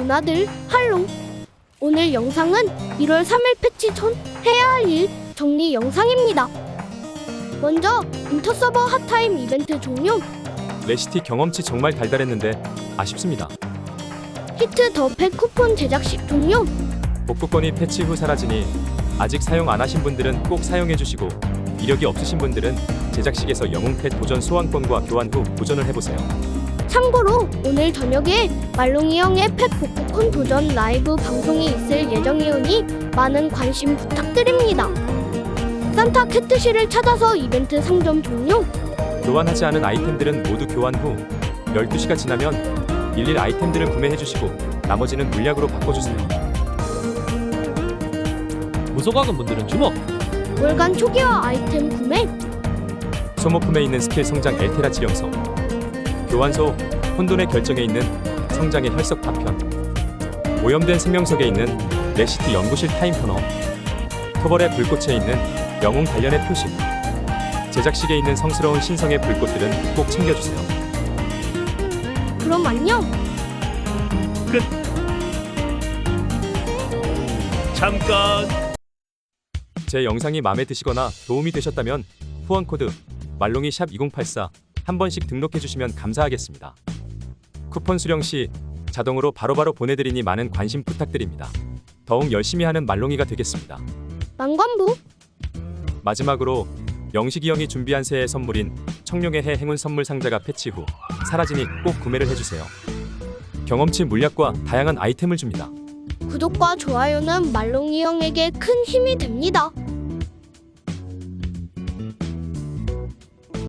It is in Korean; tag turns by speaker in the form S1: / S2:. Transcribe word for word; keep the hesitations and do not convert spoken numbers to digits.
S1: 전하들 할롱. 오늘 영상은 일월 삼일 패치 전 해야 할 일 정리 영상입니다. 먼저 인터서버 핫타임 이벤트 종료.
S2: 레시티 경험치 정말 달달했는데 아쉽습니다.
S1: 히트 더 팩 쿠폰 제작식 종료.
S2: 복구권이 패치 후 사라지니 아직 사용 안 하신 분들은 꼭 사용해 주시고, 이력이 없으신 분들은 제작식에서 영웅펫 도전 소환권과 교환 후 도전을 해보세요.
S1: 참고로 오늘 저녁에 말롱이 형의 펫 복구콘 도전 라이브 방송이 있을 예정이오니 많은 관심 부탁드립니다. 산타 캣트시를 찾아서 이벤트 상점 종료.
S2: 교환하지 않은 아이템들은 모두 교환 후 열두 시가 지나면 일일 아이템들을 구매해주시고 나머지는 물약으로 바꿔주세요.
S3: 무소각은 분들은 주목!
S1: 월간 초기화 아이템 구매.
S2: 소모품에 있는 스킬 성장 엘테라 지령서, 교환소 혼돈의 결정에 있는 성장의 혈석 파편, 오염된 생명석에 있는 레시티 연구실 타임 터너, 토벌의 불꽃에 있는 영웅 단련의 표식, 제작식에 있는 성스러운 신성의 불꽃들은 꼭 챙겨주세요.
S1: 그럼 안녕.
S3: 끝! 잠깐!
S2: 제 영상이 마음에 드시거나 도움이 되셨다면 후원 코드 말롱이 샵 이공팔사 한 번씩 등록해주시면 감사하겠습니다. 쿠폰 수령 시 자동으로 바로바로 보내드리니 많은 관심 부탁드립니다. 더욱 열심히 하는 말롱이가 되겠습니다.
S1: 만관부.
S2: 마지막으로 영식이 형이 준비한 새해 선물인 청룡의 해 행운 선물 상자가 패치 후 사라지니 꼭 구매를 해주세요. 경험치 물약과 다양한 아이템을 줍니다.
S1: 구독과 좋아요는 말롱이 형에게 큰 힘이 됩니다.